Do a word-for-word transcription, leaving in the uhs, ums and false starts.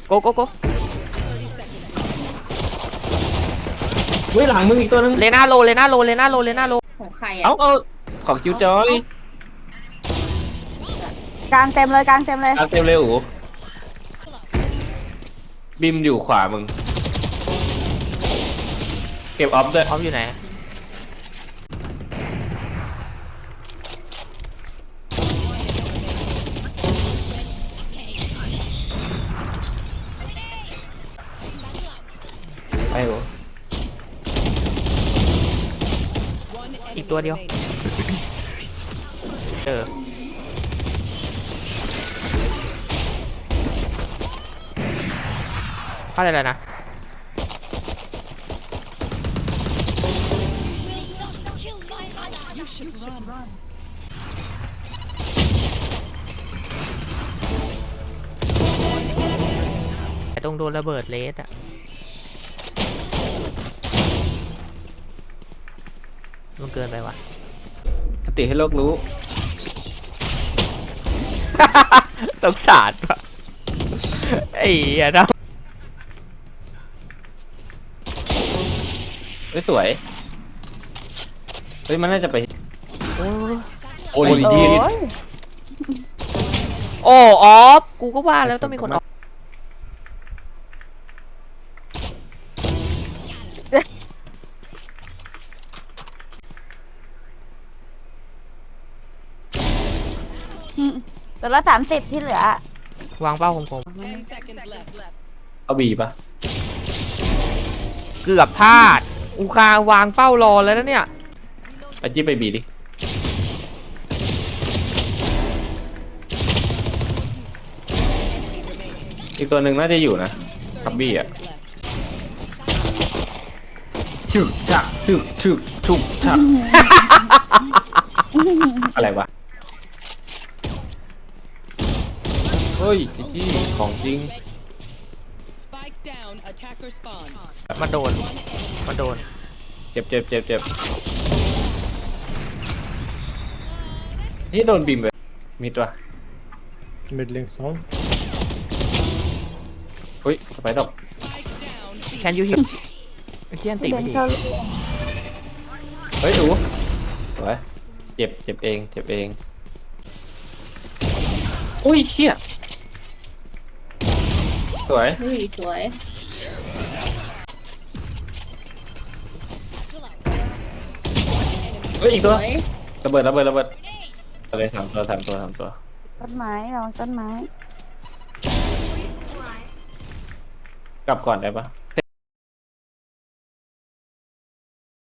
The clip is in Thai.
โกโกโกเฮ้ยหลังมึงอีกตัวนึงเลน่าโลเลน่าโลเลน่าโลเลน่าโลของใครอ่ะเอาเอาของคิวจอยกลางเต็มเลยกลางเต็มเลยเอาเต็มเลยอู๋บิมอยู่ขวามึงเก็บออฟด้วยออฟอยู่ไหนไปอู๋อีกตัวเดียวเออพลาดอะไรนะไอ้ตรงโดนระเบิดเลสอะมันเกินไปว่ะปฏิให้โลกรู้สงสารปะไอ้เหี้ยนะเฮ้ยสวยเฮ้ยมันน่าจะไปโอ้ยโอ้ดียโอ้ออฟกูก็ว่าแล้วต้องมีคนออฟตัวละสามสิบที่เหลือวางเป้าคมเอาบีปะๆเกือบพลาดอูคาวางเป้ารอแล้วนะเนี่ยเอาจี้ไปบีดิอีกตัวหนึ่งน่าจะอยู่นะทับบี้อ่ะชึกชักชึกชึกชุกชัก อะไรวะเฮ้ยจี้ของจริงมันโดนมันโดนเจ็บเจ็บเจ็บเจ็บที่โดนบีมไปมีตัว Middling sound. เฮ้ยสไปดอกแคนยูฮิปไอ้เชี่ยนติเดิไม่นดีเข้าเฮ้ยดูสวยเจ็บเจ็บเองเจ็บเองอุ้ยเชี่ยสวยเฮ้ยสวยเฮ้ยอีกสตัววยระเบิดระเบิดระเบิดอะไรสามตัวสามตัวสามตัวต้นไม้ระวังต้นไม้กลับก่อนได้ปะ